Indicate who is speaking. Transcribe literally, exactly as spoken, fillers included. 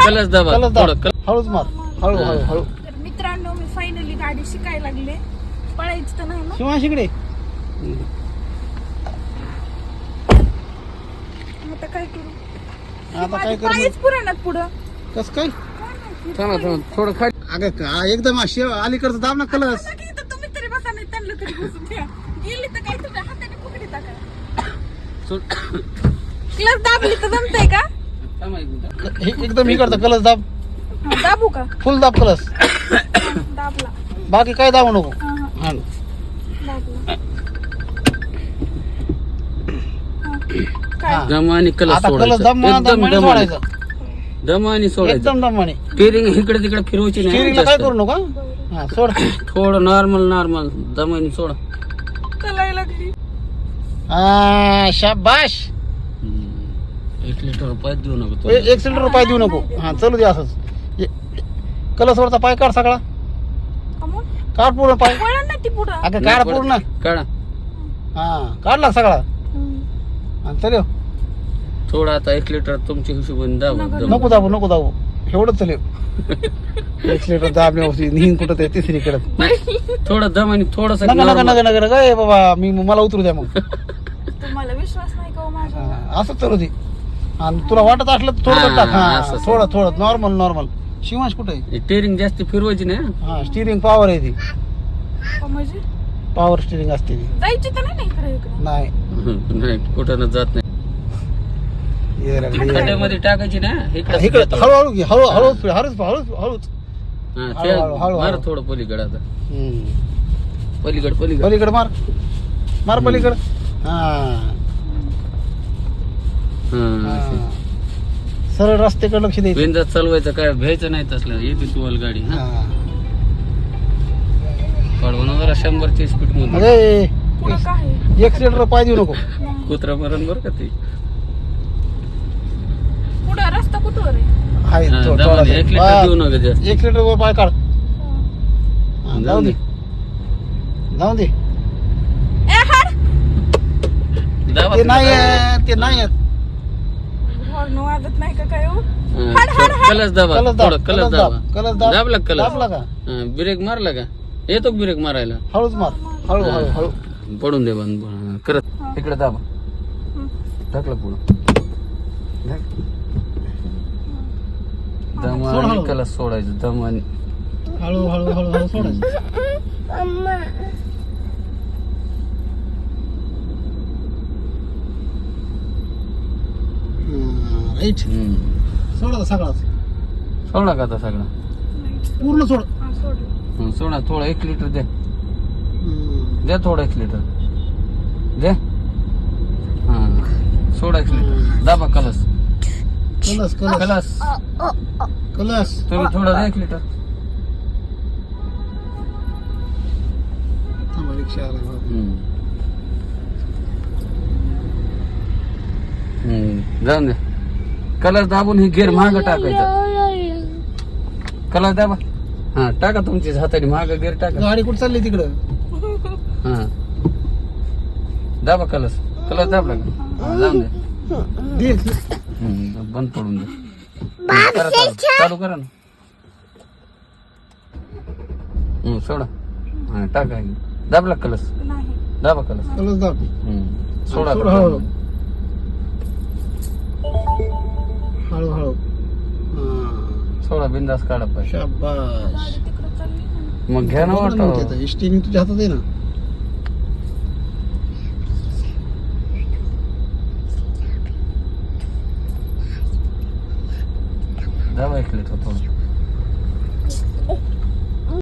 Speaker 1: कलच दाबा
Speaker 2: कलच दाब.
Speaker 1: थोडं कल-
Speaker 2: हळूच मार. हळू हळू हळू.
Speaker 3: तर मित्रांनो मी फायनली गाडी शिकायला लागले. पळायचं तर नाही ना.
Speaker 2: शिवांश इकडे.
Speaker 3: आता काय करू?
Speaker 2: आता काय कर
Speaker 3: पायच पुराणात पुढं.
Speaker 2: कस काय
Speaker 1: थांबा थांबा थोडं खाली
Speaker 2: अगं का एकदम अशी अलीकडचं दाब ना कलस.
Speaker 3: आता की इथं तुम्ही तरी बसा नाही त्यांना तरी बसून द्या. गेली तर काय तुम्ही हाताने पकडी टाका.
Speaker 1: सोड.
Speaker 3: क्लच दाबली तर जमतंय का?
Speaker 1: थांबा एक मिनिट.
Speaker 2: हे एकदम ही करतं कलस दाब.
Speaker 3: हा, दाबू का?
Speaker 2: फुल दाब कलस.
Speaker 3: दाबला.
Speaker 2: बाकी काय दाबू नको.
Speaker 3: हा, हा,
Speaker 2: हा
Speaker 3: दाबला. हा, काय?
Speaker 2: हा.
Speaker 1: दम आणि कलच
Speaker 2: आता कलस
Speaker 1: सोडायचं
Speaker 2: दाब म्हणा
Speaker 1: एकदम
Speaker 2: दमाने
Speaker 1: दम आणि-
Speaker 2: सोडायचं.
Speaker 1: दम आणि सोडायचं
Speaker 2: एकदम दमाने.
Speaker 1: स्टिअरिंग इकडे तिकडे फिरवायची नाही
Speaker 2: स्टिअरिंगला काय
Speaker 1: जास्त.
Speaker 2: करू नका. हा सोड.
Speaker 1: थोडं नॉर्मल नॉर्मल दमानी सोडा.
Speaker 3: चलायला लागली.
Speaker 2: हा शाबाश.
Speaker 1: एक लिटर रुपयात देऊ नको
Speaker 2: ए-
Speaker 1: तो.
Speaker 2: एक सिलेंडर पाय देऊ नको. हा चलू दे असंच. कलसवरचा पाय काढ सगळा.
Speaker 3: कमून?
Speaker 2: काढ पूर्ण पाय.
Speaker 3: वळण नाही ती पुढं.
Speaker 2: अगं काढ पूर्ण.
Speaker 1: काढा
Speaker 2: हा काढला सगळा.
Speaker 3: हम्म.
Speaker 2: आणि चल
Speaker 1: थोडं आता एक लिटर तुमच्या हिशोबाने दाबा
Speaker 3: नको,
Speaker 1: दम.
Speaker 2: नको दाबू नको दाबू एवढंच चल एक सिलेंडर दाबण्यावरती निहीन कुठं ते तिसरी कडत.
Speaker 1: नाही, थोडं दम आणि थोडस
Speaker 2: नका नका नका नका नका ए बाबा मी मला उतरू द्या मग.
Speaker 3: तुम्हाला विश्वास नाही का हो माझ्या?
Speaker 2: हा, असं चलू दे. आणि तुला वाटत असलं तर थोडं
Speaker 1: हा,
Speaker 2: टाक. हा
Speaker 1: असं, असं.
Speaker 2: थोडं थोडं नॉर्मल नॉर्मल. शिवांश कुठे आहे?
Speaker 1: टेरिंग जास्त फिरवायची नाही हं?
Speaker 2: हा स्टिअरिंग पॉवर आहे ती.
Speaker 3: का म्हणजे?
Speaker 2: पॉवर स्टिअरिंग असते ती.
Speaker 3: जायची तर नाही ना इकडे इकडे.
Speaker 2: नाही
Speaker 1: हं, नाही कुठं न जात नाही.
Speaker 2: ये रे, ये रे.
Speaker 1: खड्ड्यामध्ये टाकायची ना इकडे
Speaker 2: इकडे हळूहळू घे हळू हळूच हळूच हळूच हळूच.
Speaker 1: हा,
Speaker 2: हळू-
Speaker 1: ते
Speaker 2: हळू- हळू-
Speaker 1: मार
Speaker 2: हळू.
Speaker 1: थोडं पलीकडे आता
Speaker 2: हम्म.
Speaker 1: पलीकड पलीकड
Speaker 2: पलीकडे मार मार
Speaker 1: हम्म.
Speaker 2: पलीकडे. हा
Speaker 1: हा
Speaker 2: हा. सरळ रस्त्याकडे लक्ष द्यायचं.
Speaker 1: बिंदास चालवायचं काय भ्यायचं नाही तसलं येते तुवाल गाडी हा
Speaker 2: हा.
Speaker 1: पडवून जरा शंभरची स्पीड मध्ये
Speaker 2: अरे
Speaker 3: पुढं काय आहे?
Speaker 2: एक सिलेंडर पाय देऊ नको.
Speaker 1: कुत्रा मरण बर का ते
Speaker 3: पुढं रस्ता कुठवर आहे?
Speaker 2: हाय
Speaker 1: हा,
Speaker 2: थो-
Speaker 1: दमाने
Speaker 2: थोडासा.
Speaker 1: एक लिटर
Speaker 2: हा.
Speaker 1: देऊ नका जास्त
Speaker 2: एक सिलेंडर वर पाय काढ.
Speaker 3: हा.
Speaker 2: हा,
Speaker 1: जाऊ
Speaker 2: जाऊ
Speaker 1: दे.
Speaker 2: दे जाऊ दे.
Speaker 3: ए हाड.
Speaker 1: दाबा
Speaker 2: ते
Speaker 1: तिला
Speaker 2: नाही
Speaker 1: दाबा.
Speaker 2: आहे, ते नाही आहे.
Speaker 3: हॉर्न वाजत नाही का काय हो?
Speaker 1: हा,
Speaker 3: हाड, हाड, हाड.
Speaker 1: कलच दाबा
Speaker 2: कलस दाब
Speaker 1: थोडं कलस
Speaker 2: कलस
Speaker 1: दाबा
Speaker 2: दाब कलस दाब.
Speaker 1: दाबला का कलस
Speaker 2: दाबला का
Speaker 1: हा, ब्रेक मारला का येतो का ब्रेक मारायला
Speaker 2: हळूच मार हळू हळू हळू.
Speaker 1: पडून दे बंद हा, करत
Speaker 3: हा.
Speaker 1: इकडे दाबा
Speaker 3: हम्म.
Speaker 1: टाकलं पुढं दम
Speaker 2: सोड
Speaker 1: आणि
Speaker 2: हळू.
Speaker 1: कलस सोडायचं दम आणि
Speaker 2: हळू हळू हळू हळू सोडायचं. हा, राईट.
Speaker 1: हम्म.
Speaker 2: सोडा सगळाच
Speaker 1: सोडा का आता सगळा
Speaker 2: पूर्ण सोड.
Speaker 3: हा, सोडलं.
Speaker 1: हं, सोडा थोडं एक लिटर द्या
Speaker 2: हम्म.
Speaker 1: द्या थोडं एक लिटर द्या हा सोडा एक लिटर दाबा कलस
Speaker 2: कलस कलस
Speaker 1: कलस
Speaker 2: कलस.
Speaker 1: तुम्ही थोडं द्या एक लिटर
Speaker 2: थांबा, रिक्षा आला बघा.
Speaker 1: हम्म. हम्म, जाऊन द्या कलस दाबून ही गेअर माग टाकायचा कलस दाबा हा टाका तुमच्या हाताने माग गेअर टाका
Speaker 2: गाडी कुठे चालली तिकडं?
Speaker 1: हा दाबा कलस कलस दाबला का हा, जाऊन द्या
Speaker 2: दे.
Speaker 1: हम्म, बंद पडून द्या करा चालू. चालू करा ना हम्म, सोडा हा टाका दाबला कलस
Speaker 3: नाही.
Speaker 1: दाबा कलस
Speaker 2: कलस दाब.
Speaker 1: हम्म, सोडा
Speaker 2: सोड
Speaker 1: आता.
Speaker 2: हळू हळू हळू. हा.
Speaker 1: सोडा बिंदास काढा पाहिजे
Speaker 2: शाबास.
Speaker 3: गाडी तिकडं चालली ना.
Speaker 1: मग घ्या ना वाटो
Speaker 2: स्टिअरिंग तुझ्या हातात आहे ना.
Speaker 1: दाबा एक लिटर थोडं